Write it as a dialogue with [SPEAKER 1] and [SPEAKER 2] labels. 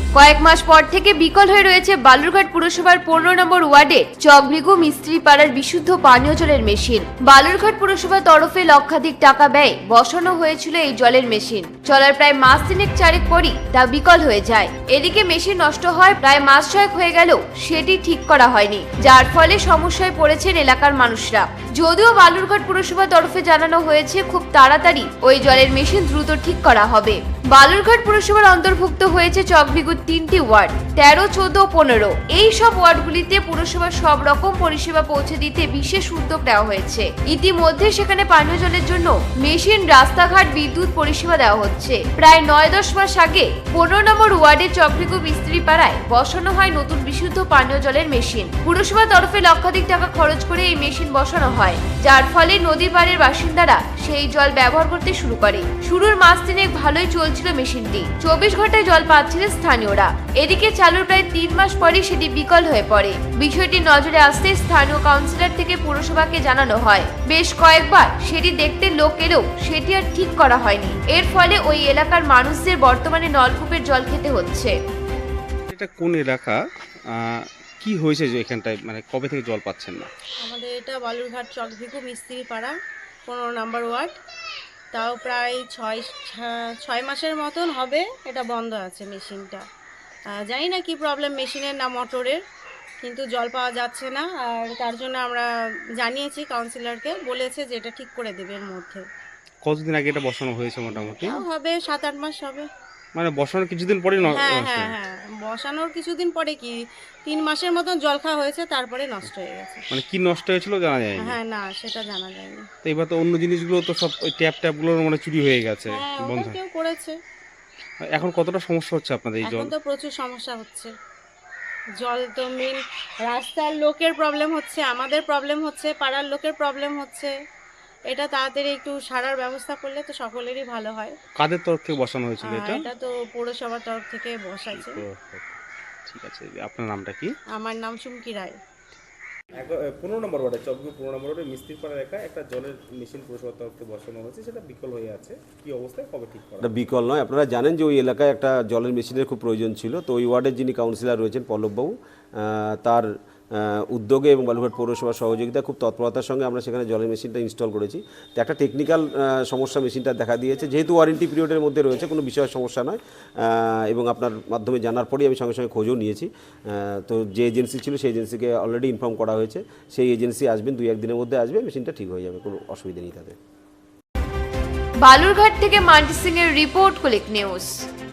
[SPEAKER 1] কয়েক মাস পর থেকে বিকল হয়ে রয়েছে বালুরঘাট পুরসভার 15 নম্বর ওয়ার্ডে চকভিগু মিস্ত্রি পাড়ার বিশুদ্ধ পানীয় জলের মেশিন। বালুরঘাট পুরসভার তরফে লক্ষাধিক টাকা ব্যয় বসানো হয়েছিল এই জলের মেশিন। চলার প্রায় মাস তিনেক চারেক পরই তা বিকল হয়ে যায়। এদিকে মেশিন নষ্ট হয় প্রায় মাস ছয়েক হয়ে গেলেও সেটি ঠিক করা হয়নি, যার ফলে সমস্যায় পড়েছেন এলাকার মানুষরা। যদিও বালুরঘাট পুরসভার তরফে জানানো হয়েছে খুব তাড়াতাড়ি ওই জলের মেশিন দ্রুত ঠিক করা হবে। বালুরঘাট পুরসভার অন্তর্ভুক্ত হয়েছে চকভিগুর 3টি ওয়ার্ড 13, 14, 15। এই সব ওয়ার্ডগুলিতে পুরসভার সব রকম পরিষেবা পৌঁছে দিতে বিশেষ উদ্যোগ নেওয়া হয়েছে। ইতিমধ্যে সেখানে পানীয় জলের জন্য মেশিন, রাস্তাঘাট, বিদ্যুৎ পরিষেবা দেওয়া হচ্ছে। প্রায় 9-10 মাস আগে 15 নম্বর ওয়ার্ডের চকভিগু মিস্ত্রি পাড়ায় বসানো হয় নতুন বিশুদ্ধ পানীয় জলের মেশিন। পুরসভার তরফে লক্ষাধিক টাকা খরচ করে এই মেশিন বসানো হয়, যার ফলে নদী পাড়ের বাসিন্দারা সেই জল ব্যবহার করতে শুরু করে। শুরুর মাস তিনেক ভালোই চলছিল মেশিনটি, 24 ঘন্টায় জল পাচ্ছিলেন স্থানীয়রা। এদিকে চালুর প্রায় 3 মাস পরে সেটি বিকল হয়ে পড়ে। বিষয়টি নজরে আসতে স্থানীয় কাউন্সিলর থেকে পুরসভাকে জানানো হয়। বেশ কয়েকবার সেটি দেখতে লোক এলেও সেটি আর ঠিক করা হয়নি। এর ফলে ওই এলাকার মানুষদের বর্তমানে নলকূপের জল খেতে হচ্ছে।
[SPEAKER 2] এটা কোন এলাকা, কি হয়েছে যে এখানটায় মানে কবে থেকে জল পাচ্ছেন না?
[SPEAKER 3] আমাদের এটা বালুরঘাট চকভিগু মিস্ত্রি পাড়া 15 নম্বর ওয়ার্ড। তাও প্রায় ছয় মাসের মতন হবে এটা বন্ধ আছে মেশিনটা। জানি না কি প্রবলেম মেশিনের না মোটরের, কিন্তু জল পাওয়া যাচ্ছে না। আর তার জন্য আমরা জানিয়েছি কাউন্সিলরকে, বলেছে যে এটা ঠিক করে দেবে এর মধ্যে।
[SPEAKER 2] কতদিন আগে এটা বসানো হয়েছে মোটামুটি?
[SPEAKER 3] তাও হবে 7-8 মাস হবে।
[SPEAKER 2] মানে বসানোর কিছুদিন পরে
[SPEAKER 3] হ্যাঁ, বসানোর কিছুদিন পরে কি 3 মাসের মতন জল খাওয়া হয়েছে, তারপরে নষ্ট হয়ে গেছে।
[SPEAKER 2] মানে কি নষ্ট হয়েছিল জানা যায়নি?
[SPEAKER 3] হ্যাঁ, না সেটা জানা যায়নি।
[SPEAKER 2] তো এবার তো অন্য জিনিসগুলো তো সব ওই ট্যাপগুলোর মানে চুরি হয়ে গেছে,
[SPEAKER 3] হ্যাঁ,
[SPEAKER 2] বন্ধ।
[SPEAKER 3] ওটা কেউ করেছে।
[SPEAKER 2] এখন কতটা সমস্যা হচ্ছে আপনাদের এই জল?
[SPEAKER 3] এখন তো প্রচুর সমস্যা হচ্ছে। জল তো মেন, রাস্তার লোকের প্রবলেম হচ্ছে, আমাদের প্রবলেম হচ্ছে, পাড়ার লোকের প্রবলেম হচ্ছে। এটা তাড়াতাড়ি একটু সারার ব্যবস্থা করলে তো সকলেরই ভালো হয়।
[SPEAKER 2] কাদের তরফ থেকে বসানো হয়েছিল এটা?
[SPEAKER 3] এটা তো পৌরসভার তরফ থেকে বসাইছে।
[SPEAKER 2] ঠিক আছে, আপনার নামটা কি?
[SPEAKER 3] আমার নাম চুমকি রায়।
[SPEAKER 2] 15 নম্বর ওয়ার্ডে চকভিগু 15 নম্বর ওয়ার্ডে মিস্ত্রিপাড়া এলাকায় একটা জলের মেশিন পুরসভার তরফ থেকে বসানো হয়েছে, সেটা বিকল হয়ে আছে। কি অবস্থায়, কবে ঠিক করা?
[SPEAKER 4] এটা বিকল নয়, আপনারা জানেন যে ওই এলাকায় একটা জলের মেশিনের খুব প্রয়োজন ছিল। তো ওই ওয়ার্ডের যিনি কাউন্সিলর রয়েছেন পল্লববাবু, তার উদ্যোগে এবং বালুরঘাট পৌরসভার সহযোগিতা খুব তৎপরতার সঙ্গে আমরা সেখানে জলের মেশিনটা ইনস্টল করেছি। তো একটা টেকনিক্যাল সমস্যা মেশিনটা দেখা দিয়েছে, যেহেতু ওয়ারেন্টি পিরিয়ডের মধ্যে রয়েছে, কোনো বিষয়ের সমস্যা নয়। এবং আপনার মাধ্যমে জানার পরেই আমি সঙ্গে সঙ্গে খোঁজও নিয়েছি। তো যে এজেন্সি ছিল সেই এজেন্সিকে অলরেডি ইনফর্ম করা হয়েছে, সেই এজেন্সি আসবেন, 2-1 দিনের মধ্যে আসবে, মেশিনটা ঠিক হয়ে যাবে, কোনো অসুবিধা নেই তাদের।
[SPEAKER 1] বালুরঘাট থেকে মান্টি সিং এর রিপোর্ট, কুলিক নিউজ।